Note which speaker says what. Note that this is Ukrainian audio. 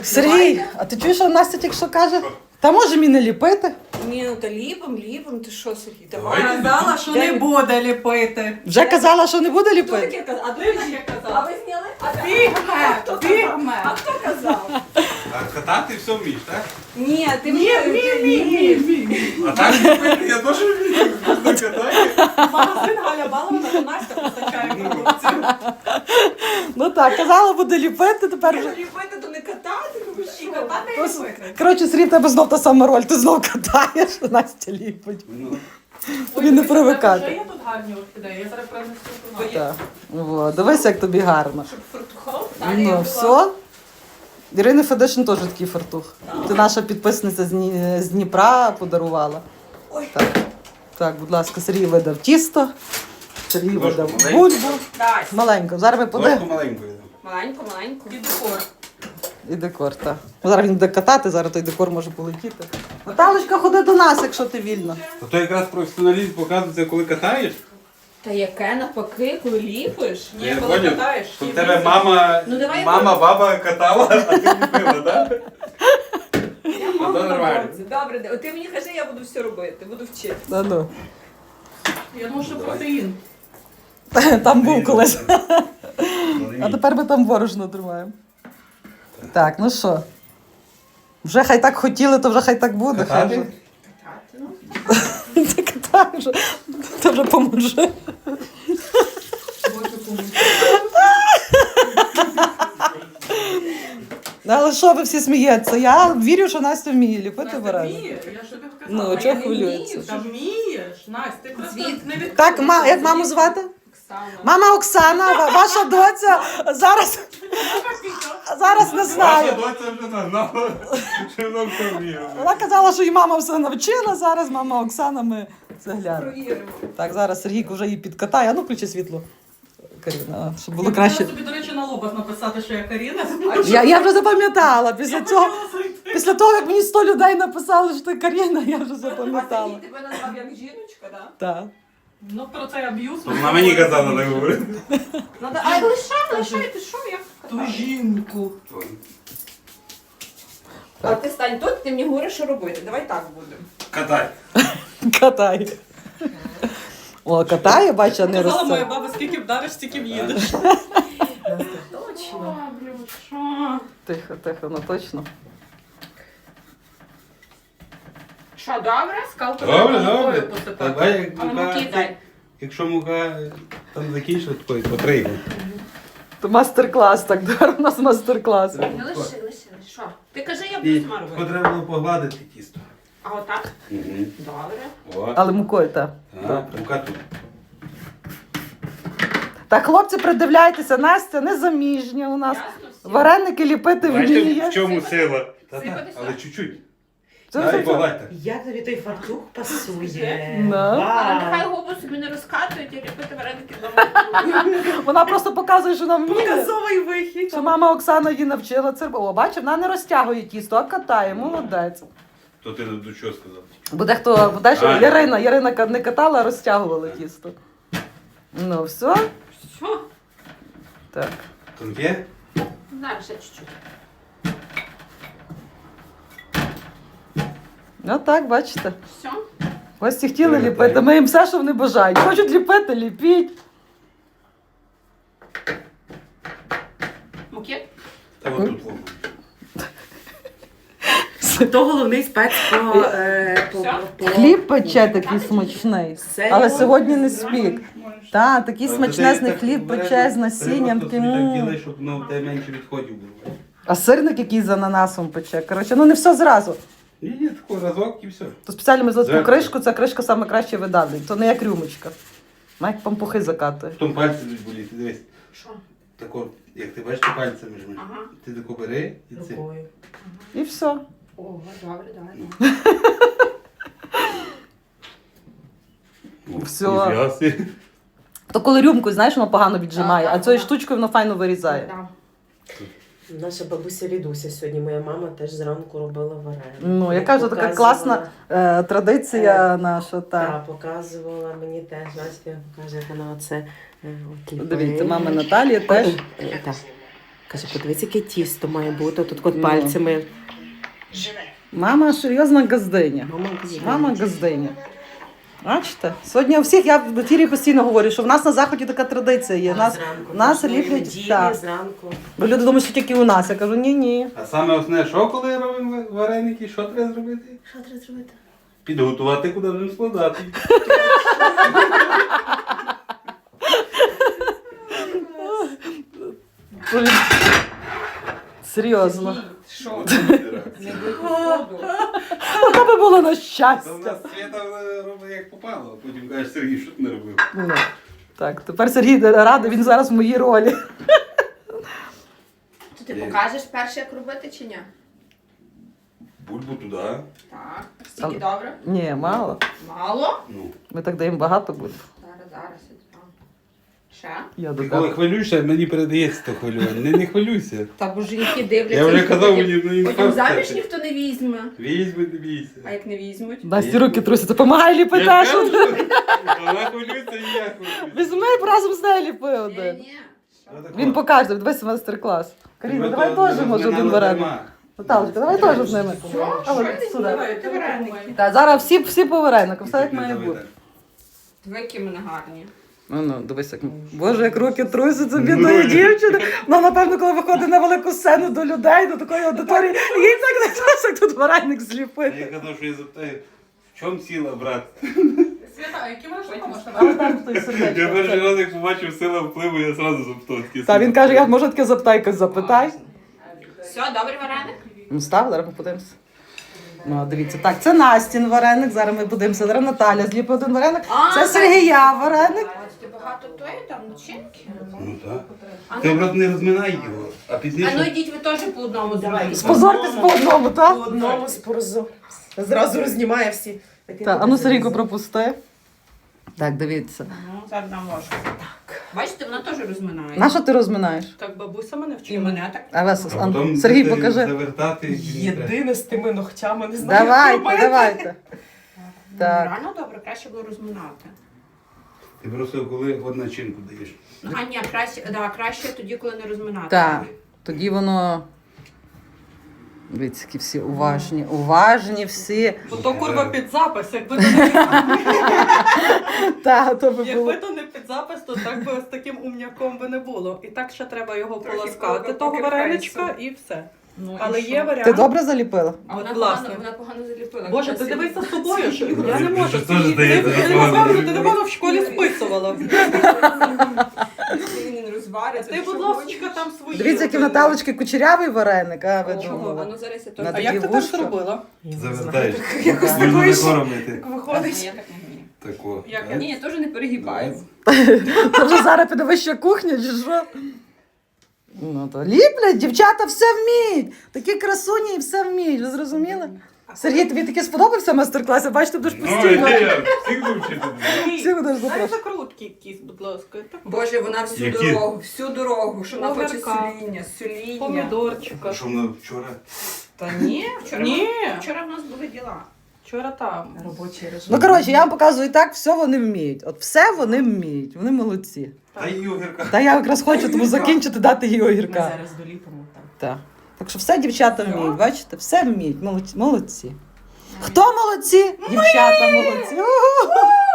Speaker 1: Сергій, а ти чуєш, що Настя тільки що каже? Та може мені не ліпити?
Speaker 2: Ні, ну та ліпом, ти що, Сергій?
Speaker 3: Давай. Казала, що не буде ліпити.
Speaker 1: Вже казала, що не буде
Speaker 2: Хто
Speaker 1: ліпити?
Speaker 2: таке казав? А
Speaker 3: Ти
Speaker 2: ти
Speaker 3: таке
Speaker 2: а
Speaker 3: казала.
Speaker 2: ви зняли?
Speaker 3: Бігме.
Speaker 2: А хто казав?
Speaker 4: А катати все вмієш, так?
Speaker 2: Ні, ти
Speaker 3: Ні.
Speaker 4: А так ліпити я теж вмію. Катати.
Speaker 3: Магазин Галя Балована, то Настя постачає продукцію.
Speaker 1: Ну так, казала, буде ліпити, тепер вже.
Speaker 2: Ліпити, то не катати, ну ви
Speaker 3: І
Speaker 2: що?
Speaker 3: катати і ліпити.
Speaker 1: Коротше, Сергій, в тебе знов та сама роль, ти знов катаєш, а Настя ліпить. Тобі не привикати.
Speaker 3: Ще є тут гарні орхідеї, я зараз принесу до нас.
Speaker 1: Так. О, дивись, як тобі гарно.
Speaker 2: Щоб фартухав?
Speaker 1: Ну, все. Ірини Федишин теж такий фартух. Ти наша підписниця з Дніпра подарувала.
Speaker 2: Ой.
Speaker 1: Так. Так, будь ласка, Сергій видав тісто. Сергій
Speaker 4: Ложку
Speaker 1: видав
Speaker 4: маленьку.
Speaker 1: бульбу.
Speaker 2: Дай.
Speaker 1: Маленько. Зараз ми
Speaker 4: Ложку
Speaker 1: подивимо.
Speaker 4: маленьку.
Speaker 2: Маленько.
Speaker 3: І декор.
Speaker 1: І декор, так. Зараз він буде катати, зараз той декор може полетіти. Наталочка, ходи до нас, якщо ти вільна.
Speaker 4: А то якраз професіоналізм показується, коли катаєш.
Speaker 2: Та яке навпаки, коли ліпиш?
Speaker 3: Ні,
Speaker 4: Я
Speaker 3: коли
Speaker 4: поняв,
Speaker 3: катаєш.
Speaker 4: що в
Speaker 3: і
Speaker 4: тебе
Speaker 3: ліпиш.
Speaker 4: мама,
Speaker 2: Ну, давай
Speaker 4: баба катала, а ти ліпила, так?
Speaker 2: Я
Speaker 4: Ну, то нормально.
Speaker 2: Добре, от ти мені кажи, я буду все робити, буду вчити.
Speaker 1: Ну.
Speaker 3: Я думаю, що протеїн.
Speaker 1: Там був колись. А тепер ми там борошно тримаємо. Так, ну що? Вже хай так хотіли, то вже хай так буде. Хай вже.
Speaker 4: Катати?
Speaker 2: Катати, ну.
Speaker 1: Ти катай вже. Ти вже поможи. Ну, але що ви всі смієтеся? Я вірю, що Настя вміє ліпити
Speaker 3: Настя
Speaker 1: варені.
Speaker 3: вміє, я ж тобі
Speaker 1: Ну,
Speaker 3: сказала.
Speaker 1: чого
Speaker 2: я не
Speaker 1: хвилюється?
Speaker 2: вмію.
Speaker 3: Та вмієш, Настя, ти просто
Speaker 2: Звідки?
Speaker 3: не відкрила.
Speaker 1: Так, як маму звати?
Speaker 2: Оксана.
Speaker 1: Мама Оксана, ваша доця зараз не
Speaker 4: Ваша
Speaker 1: знаю.
Speaker 4: доця вже нагнала, що вона все вміє.
Speaker 1: Вона казала, що її мама все навчила, зараз мама Оксана, ми це глянемо.
Speaker 2: Провіримо.
Speaker 1: Так, зараз Сергійко вже її підкатає. А ну, включи світло, Каріна, щоб було
Speaker 3: Я
Speaker 1: краще.
Speaker 3: хотіла собі, до речі, на лобах написати, що я Каріна.
Speaker 1: Я вже запам'ятала. Після
Speaker 3: Я
Speaker 1: цього,
Speaker 3: хотіла зайти.
Speaker 1: після того, як мені 100 людей написали, що ти Каріна, я вже
Speaker 2: А
Speaker 1: запам'ятала.
Speaker 2: Сергій тебе назвав як жіночка, так?
Speaker 1: Так.
Speaker 3: Ну, про цей аб'юз.
Speaker 4: Вона мені казала так говорити.
Speaker 2: Ай, лишай, ти що, як
Speaker 3: Ту
Speaker 2: катаю?
Speaker 3: жінку.
Speaker 2: А ти стань тут, ти мені говориш, що робити. Давай так будемо.
Speaker 4: Катай.
Speaker 1: Катає. О, катає, бачу, а не
Speaker 3: Казала моя
Speaker 1: росте.
Speaker 3: баба, скільки вдариш, стільки в'їдеш.
Speaker 2: Точно.
Speaker 3: Блін, що?
Speaker 1: Тихо, тихо, ну точно.
Speaker 2: Що, добре?
Speaker 3: Скалку
Speaker 4: Добре,
Speaker 3: треба
Speaker 4: добре.
Speaker 3: мукою посипати.
Speaker 4: Давай, як
Speaker 2: А ну
Speaker 4: мука,
Speaker 2: кидай.
Speaker 4: якщо мука там закінчила, то потрібно.
Speaker 1: То мастер-клас, так, у нас мастер-клас.
Speaker 2: Не лиши. Що? Ти кажи, я
Speaker 4: І
Speaker 2: буду сама робити.
Speaker 4: треба було погладити тісто.
Speaker 2: А отак?
Speaker 4: Угу.
Speaker 2: Добре.
Speaker 4: О,
Speaker 1: Але мукою, так.
Speaker 4: мука тут.
Speaker 1: Так, хлопці, придивляйтеся, Настя незаміжня у нас.
Speaker 2: Ясно все?
Speaker 1: Вареники ліпити
Speaker 4: Бачите, в
Speaker 1: вміє.
Speaker 4: чому сила?
Speaker 2: Сипати
Speaker 4: Але чуть-чуть.
Speaker 1: Це
Speaker 4: Дай
Speaker 1: все.
Speaker 4: погладь.
Speaker 5: Як тобі той фартух пасує?
Speaker 1: Да.
Speaker 2: Але
Speaker 5: Вау.
Speaker 2: нехай губу собі не розкатують і ліпити вареники вдома.
Speaker 1: Вона просто показує, що нам вміє.
Speaker 5: Показовий вихід.
Speaker 1: Що мама Оксана її навчила це. О, бачиш, вона не розтягує тісто, а катає, молодець.
Speaker 4: То ти до чого сказав?
Speaker 1: Буде хто, буде що
Speaker 4: А,
Speaker 1: Ярина не катала, а розтягувала тісто. Ну, все.
Speaker 2: Що?
Speaker 1: Так.
Speaker 4: Тонке?
Speaker 2: Зараз ще чуть-чуть.
Speaker 1: Ну так, бачите.
Speaker 2: Все?
Speaker 1: Гості хотіли
Speaker 4: Привітаю.
Speaker 1: ліпити, ми їм все, що вони бажають. Хочуть ліпити, ліпіть.
Speaker 2: Муки?
Speaker 4: Та отут воно.
Speaker 5: То головний спец по
Speaker 1: Хліб пече такий смачний.
Speaker 5: Серйозно?
Speaker 1: Але сьогодні не спік. Так, такий
Speaker 4: Але
Speaker 1: смачнезний
Speaker 4: ти
Speaker 1: хліб
Speaker 4: так
Speaker 1: пече з
Speaker 4: треба
Speaker 1: насінням.
Speaker 4: просто
Speaker 1: Таким.
Speaker 4: собі так ділай, щоб ну, в тебе менше відходів було.
Speaker 1: А сирник який з ананасом пече. Коротше, ну не все зразу.
Speaker 4: Ні, такий разок і все.
Speaker 1: То спеціально ми зробили
Speaker 4: Зеркало.
Speaker 1: кришку, ця кришка саме краще видавлює. То не як рюмочка. Вона як пампухи закатує.
Speaker 4: Потім пальці будуть боліти, дивись.
Speaker 2: Що?
Speaker 4: Тако, як ти бачиш, ти пальцями жмеш.
Speaker 2: Ага.
Speaker 4: Ти тако бери і це.
Speaker 5: рукою.
Speaker 1: І все.
Speaker 2: Ого, добре, давай.
Speaker 1: Все.
Speaker 4: Ніфіга собі.
Speaker 1: То коли рюмкою, знаєш, воно погано віджимає,
Speaker 2: Так,
Speaker 1: а
Speaker 2: так,
Speaker 1: цією
Speaker 2: так.
Speaker 1: штучкою воно файно вирізає.
Speaker 2: Да.
Speaker 5: Наша бабуся Лідуся сьогодні, моя мама теж зранку робила вареники.
Speaker 1: Ну, яка ж така
Speaker 5: Показувала-
Speaker 1: класна традиція наша.
Speaker 5: Так, показувала мені теж, Настя каже, як вона оце от ліпить.
Speaker 1: Дивіться, мама Наталія теж.
Speaker 5: Так. Каже, подивись, яке тісто має бути. Тут от пальцями.
Speaker 1: Мама серйозна газдиня. Мама газдиня. Бачите? Сьогодні у всіх, я в ефірі постійно говорю, що в нас на Заході така традиція є. Нас ліплять, так.
Speaker 5: Зранку.
Speaker 1: Бо люди думають, що тільки у нас. Я кажу, ні-ні.
Speaker 4: А саме основне, що коли робимо вареники, що треба зробити?
Speaker 5: Що треба зробити?
Speaker 4: Підготувати, куди будемо складати.
Speaker 1: Серйозно.
Speaker 2: Що?
Speaker 4: Це
Speaker 1: Ну, то би було на
Speaker 4: в
Speaker 1: щастя.
Speaker 4: нас Свята робить як попало, а потім каже, Сергій, що ти не робив?
Speaker 1: Ну, так, тепер Сергій радий, він зараз в моїй ролі.
Speaker 2: То ти покажеш перше, як робити чи ні?
Speaker 4: Бульбу туди.
Speaker 2: Так. Стільки добре?
Speaker 1: Ні, мало.
Speaker 2: Мало?
Speaker 4: Ну.
Speaker 1: Ми так даємо багато буде.
Speaker 2: Зараз. Ще?
Speaker 1: Я
Speaker 4: Ти коли
Speaker 1: додам.
Speaker 4: хвилюєшся, мені передається то хвилювання. Не хвилюйся.
Speaker 2: Та бо жінки дивляться.
Speaker 4: Я вже
Speaker 2: і
Speaker 4: казав,
Speaker 2: потім-
Speaker 4: мені
Speaker 2: Потім
Speaker 4: інфаркт.
Speaker 2: заміж ніхто не візьме.
Speaker 4: Візьми, не бійся.
Speaker 2: А як не візьмуть?
Speaker 1: Насті руки трусяться, помагай ліпити.
Speaker 4: Я
Speaker 1: що
Speaker 4: кажу,
Speaker 1: ти?
Speaker 4: вона хвилюється і я хвилююся.
Speaker 1: Візьми разом з нею ліпи один.
Speaker 2: Ні.
Speaker 1: Він покаже, дивись майстер-клас. Каріна, давай теж може один вареник. Наталочка, давай теж з ними. А от сюди.
Speaker 2: Ти вареники.
Speaker 1: Так, зараз всі по вареникам, все як має бути.
Speaker 2: Диви, які в мене гарні.
Speaker 1: Ну, дивись, як. Боже, як руки трусяться бідної дівчини. Ну, напевно, коли виходить на велику сцену до людей, до такої аудиторії, їй так не трусить, як тут вареник
Speaker 4: Я
Speaker 1: зліпити.
Speaker 4: казав, що я запитаю, в чому сила, брат?
Speaker 3: Свята, а які вона штука можна
Speaker 1: Але там стоїть
Speaker 4: Я
Speaker 1: сердечко.
Speaker 4: перший раз, як побачив сила впливу, я одразу запитав такі.
Speaker 1: Та він каже, я може таке запитай, запитай.
Speaker 2: Все, добрий вареник?
Speaker 1: Ну, став, зараз ми подивимося. Ну, дивіться, так, це Настін вареник, зараз ми подивимося. Зараз Наталя зліпить один вареник.
Speaker 2: А,
Speaker 1: Це
Speaker 2: так.
Speaker 1: Сергія вареник.
Speaker 2: Ти багато тої там начинки?
Speaker 4: Ну так. Ти образ не розминай його, а
Speaker 2: А ну
Speaker 4: пізніше.
Speaker 2: йдіть ви теж по одному зробите.
Speaker 1: Спозортесь по одному,
Speaker 5: По
Speaker 1: так?
Speaker 5: одному спорзу. Зразу рознімає всі.
Speaker 1: Так, а ну Сергійко пропусти. Так, дивіться.
Speaker 2: Ну, зараз дам ложку. Так. Бачите, вона теж розминає.
Speaker 1: На що ти розминаєш?
Speaker 3: Так бабуся мене
Speaker 2: І
Speaker 3: вчила.
Speaker 2: мене так.
Speaker 1: А вас,
Speaker 4: А потім
Speaker 1: Сергій,
Speaker 4: будете
Speaker 1: покажи.
Speaker 4: Завертати. і не треба.
Speaker 5: Єдине з тими ногтями, не знаю.
Speaker 1: Давайте. Так.
Speaker 2: Реально добре, краще було розминати.
Speaker 4: Ти просто коли от начинку даєш.
Speaker 2: Ну, а ні, краще тоді, коли не розминати.
Speaker 1: Так. Тоді воно. Дивіться, які всі уважні всі.
Speaker 3: Бо то курва під запис. Якби то не
Speaker 1: Так, то би було.
Speaker 3: Якби то не під запис, то так би з таким умняком би не було. І так ще треба його
Speaker 2: Трохи
Speaker 3: полоскати,
Speaker 2: поки
Speaker 3: того
Speaker 2: фейсу.
Speaker 3: вареничка і все.
Speaker 2: Ну,
Speaker 3: Але
Speaker 2: і
Speaker 3: є
Speaker 2: що?
Speaker 3: варіант.
Speaker 1: Ти добре заліпила?
Speaker 2: А вона
Speaker 3: Власне.
Speaker 2: погано заліпила.
Speaker 3: Боже, ти
Speaker 2: Красиво.
Speaker 3: дивись за собою, що я не
Speaker 4: Ти
Speaker 3: можу.
Speaker 4: ж теж здається,
Speaker 3: Ти
Speaker 4: що погано
Speaker 3: напевно, ти
Speaker 4: заліпила.
Speaker 3: напевно в школі списувала.
Speaker 2: Він не розвариться.
Speaker 3: Ти, будь ласка, там свої.
Speaker 1: Дивіться, який в Наталочки кучерявий вареник, а ви
Speaker 2: Чого? А
Speaker 1: думали.
Speaker 2: ну зараз я
Speaker 1: На
Speaker 2: теж.
Speaker 3: А як ти
Speaker 1: такі
Speaker 3: так
Speaker 1: вушка.
Speaker 3: зробила?
Speaker 4: Завертаєш.
Speaker 5: Якось
Speaker 4: Можна
Speaker 5: такої
Speaker 4: не
Speaker 5: ж-
Speaker 4: коромити.
Speaker 5: Так
Speaker 2: Ні,
Speaker 5: виходить.
Speaker 2: я так не вмію.
Speaker 4: Тако.
Speaker 3: Як
Speaker 4: так?
Speaker 2: Ні, я теж не перегибаю.
Speaker 1: Це вже зараз піде вища кухня, чи що? Ну то ліплять, дівчата все вміють. Такі красуні і все вміють, ви зрозуміли? Сергій, тобі таке сподобався майстер-клас? Я бачу, ти будеш
Speaker 4: Ну,
Speaker 1: постійно.
Speaker 4: я всіх вивчити.
Speaker 1: Всі будеш
Speaker 3: Дай
Speaker 1: запрошувати.
Speaker 3: закрутки якісь, будь ласка. Так,
Speaker 2: Боже, вона всю
Speaker 4: Які?
Speaker 2: всю дорогу, що вона хоче
Speaker 3: Огірка.
Speaker 2: суління.
Speaker 3: помідорчика.
Speaker 4: Що вона вчора?
Speaker 2: Та ні, вчора,
Speaker 3: Ні.
Speaker 2: вчора в нас були діла.
Speaker 3: Вчора там.
Speaker 5: Робочий режим.
Speaker 1: Ну, коротше, я вам показую так, все вони вміють. От все вони вміють, вони молодці.
Speaker 4: Та й огірка.
Speaker 1: Та я якраз хочу тому закінчити, дати їй
Speaker 5: Ми
Speaker 1: огірка.
Speaker 5: зараз доліпимо там.
Speaker 1: Так. Так що все дівчата вміють, бачите? Все вміють, молодці. Молодці. Хто молодці? Дівчата молодці. Угу.